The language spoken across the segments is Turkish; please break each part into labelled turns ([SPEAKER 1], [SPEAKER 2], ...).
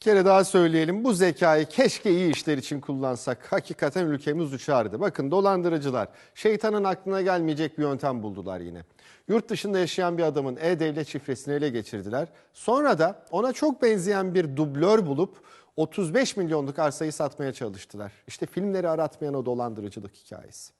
[SPEAKER 1] kere daha söyleyelim, bu zekayı keşke iyi işler için kullansak. Hakikaten ülkemiz uçardı. Bakın, dolandırıcılar şeytanın aklına gelmeyecek bir yöntem buldular yine. Yurt dışında yaşayan bir adamın e-devlet şifresini ele geçirdiler. Sonra da ona çok benzeyen bir dublör bulup 35 milyonluk arsayı satmaya çalıştılar. İşte filmleri aratmayan o dolandırıcılık hikayesi.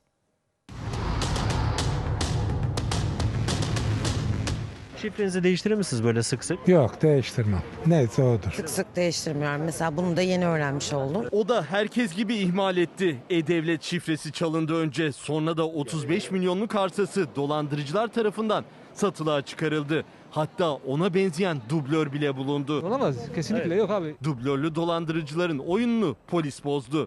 [SPEAKER 2] Şifrenizi değiştirir misiniz böyle sık sık?
[SPEAKER 3] Yok, değiştirmem. Neyse odur.
[SPEAKER 4] Sık sık değiştirmiyorum. Mesela bunu da yeni öğrenmiş oldum.
[SPEAKER 5] O da herkes gibi ihmal etti. E-Devlet şifresi çalındı önce. Sonra da 35 milyonluk arsası dolandırıcılar tarafından satılığa çıkarıldı. Hatta ona benzeyen dublör bile bulundu.
[SPEAKER 6] Olamaz. Kesinlikle yok abi.
[SPEAKER 5] Dublörlü dolandırıcıların oyununu polis bozdu.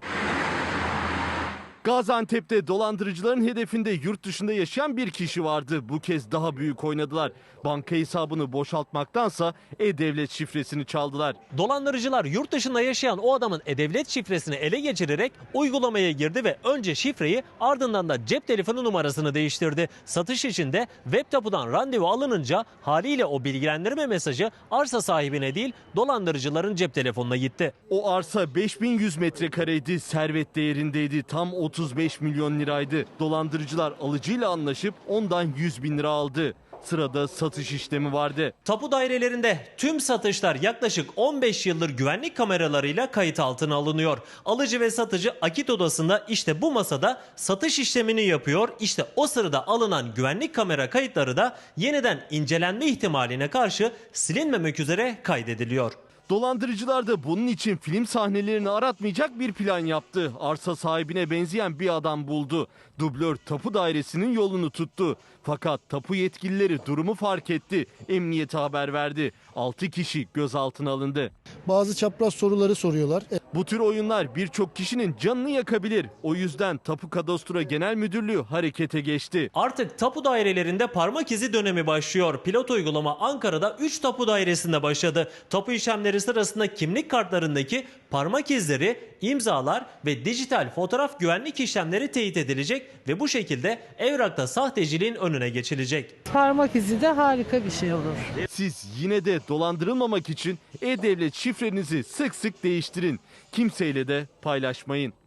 [SPEAKER 5] Gaziantep'te dolandırıcıların hedefinde yurt dışında yaşayan bir kişi vardı. Bu kez daha büyük oynadılar. Banka hesabını boşaltmaktansa e-devlet şifresini çaldılar.
[SPEAKER 2] Dolandırıcılar yurt dışında yaşayan o adamın e-devlet şifresini ele geçirerek uygulamaya girdi ve önce şifreyi, ardından da cep telefonu numarasını değiştirdi. Satış için de web tapudan randevu alınınca haliyle o bilgilendirme mesajı arsa sahibine değil, dolandırıcıların cep telefonuna gitti.
[SPEAKER 5] O arsa 5100 metrekareydi, servet değerindeydi, tam 35 milyon liraydı. Dolandırıcılar alıcıyla anlaşıp ondan 100 bin lira aldı. Sırada satış işlemi vardı.
[SPEAKER 2] Tapu dairelerinde tüm satışlar yaklaşık 15 yıldır güvenlik kameralarıyla kayıt altına alınıyor. Alıcı ve satıcı akit odasında işte bu masada satış işlemini yapıyor. İşte o sırada alınan güvenlik kamera kayıtları da yeniden incelenme ihtimaline karşı silinmemek üzere kaydediliyor.
[SPEAKER 5] Dolandırıcılar da bunun için film sahnelerini aratmayacak bir plan yaptı. Arsa sahibine benzeyen bir adam buldu. Dublör tapu dairesinin yolunu tuttu. Fakat tapu yetkilileri durumu fark etti. Emniyete haber verdi. 6 kişi gözaltına alındı.
[SPEAKER 7] Bazı çapraz soruları soruyorlar.
[SPEAKER 5] Bu tür oyunlar birçok kişinin canını yakabilir. O yüzden Tapu Kadastro Genel Müdürlüğü harekete geçti.
[SPEAKER 2] Artık tapu dairelerinde parmak izi dönemi başlıyor. Pilot uygulama Ankara'da 3 tapu dairesinde başladı. Tapu işlemleri sırasında kimlik kartlarındaki parmak izleri, imzalar ve dijital fotoğraf güvenlik işlemleri teyit edilecek ve bu şekilde evrakta sahteciliğin önüne geçilecek.
[SPEAKER 8] Parmak izi de harika bir şey olur.
[SPEAKER 5] Siz yine de dolandırılmamak için e-devlet şifrenizi sık sık değiştirin. Kimseyle de paylaşmayın.